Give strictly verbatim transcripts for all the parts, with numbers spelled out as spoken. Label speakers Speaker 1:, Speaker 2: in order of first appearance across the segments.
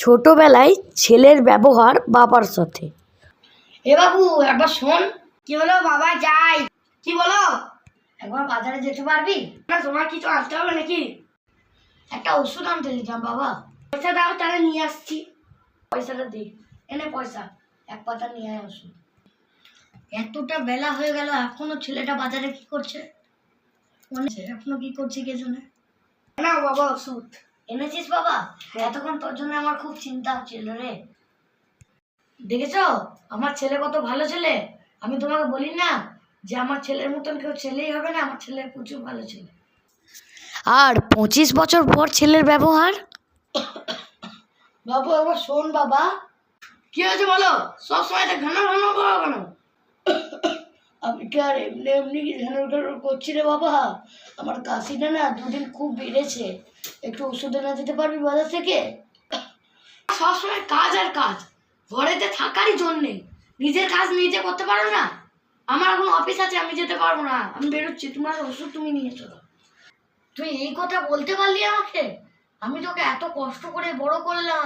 Speaker 1: ছোটবেলায় ছেলের ব্যবহার বাবার সাথে।
Speaker 2: এ বাবু একবার শোন। কি হলো বাবা? যাই। কি বলো? একবার বাজারে যেতে পারবি না? তোমার কিছু আনতে হবে নাকি? একটা ওষুধ আনতে দিতাম বাবা। পয়সা দাও, তাহলে নিয়ে আসছি। পয়সাটা দি। এনে পয়সা, এক পাতা নিয়ে আয় ওষুধ। এতটা বেলা হয়ে গেল, এখনো ছেলেটা বাজারে কি করছে? এখনো কি করছে কে জানে। না বাবা, ওষুধ এনেছিস বাবা? এতক্ষণ তোর জন্য আমার খুব চিন্তা হচ্ছিল রে। দেখেছো আমার ছেলে কত ভালো ছেলে? আমি তোমাকে বলি না যে আমার ছেলের মতন কেউ ছেলেই হবে না? আমার ছেলে প্রচুর ভালো ছেলে।
Speaker 1: আর পঁচিশ বছর পর ছেলের ব্যবহার।
Speaker 2: বাবু একবার শোন বাবা। কি হয়েছে বলো? সবসময় এটা ঘন ঘন করো কেন? আমি কি আর এমনি এমনি ঘন ঘন করছি রে বাবা? আমার কাশিটা না দুদিন খুব বেড়েছে। একটু ওষুধ এনে দিতে পারবি বাজার থেকে? সবসময় কাজ আর কাজ, ঘরেতে থাকারই জন্যে। নিজের কাজ নিজে করতে পারো না? আমার এখন অফিস আছে, আমি যেতে পারবো না, আমি বেরোচ্ছি। তোমার ওষুধ তুমি নিয়ে চলো। তুই এই কথা বলতে পারলি আমাকে? আমি তোকে এত কষ্ট করে বড় করলাম।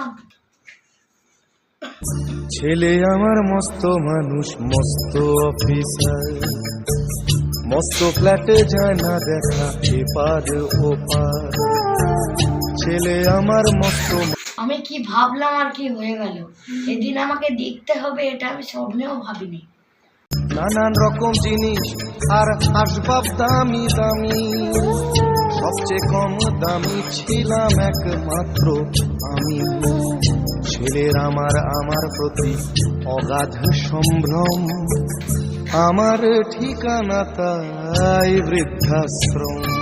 Speaker 3: ছেলে আমার মস্ত মানুষ, মস্ত অফিসার, মস্ত ফ্ল্যাটে যায় না দেখা এপার ওপার। ছেলে আমার মস্ত।
Speaker 2: আমি কি ভাবলাম আর কি হয়ে গেল। এদিন আমাকে দেখতে হবে, এটা আমি স্বপ্নেও ভাবিনি।
Speaker 3: নানান রকম জিনিস আর আসবাব দামি দামি, সবচেয়ে কম দামি ছিলাম একমাত্র আমি। ছেলের আমার আমার প্রতি অগাধ সম্ভ্রম, আমার ঠিকানা তাই বৃদ্ধাশ্রম।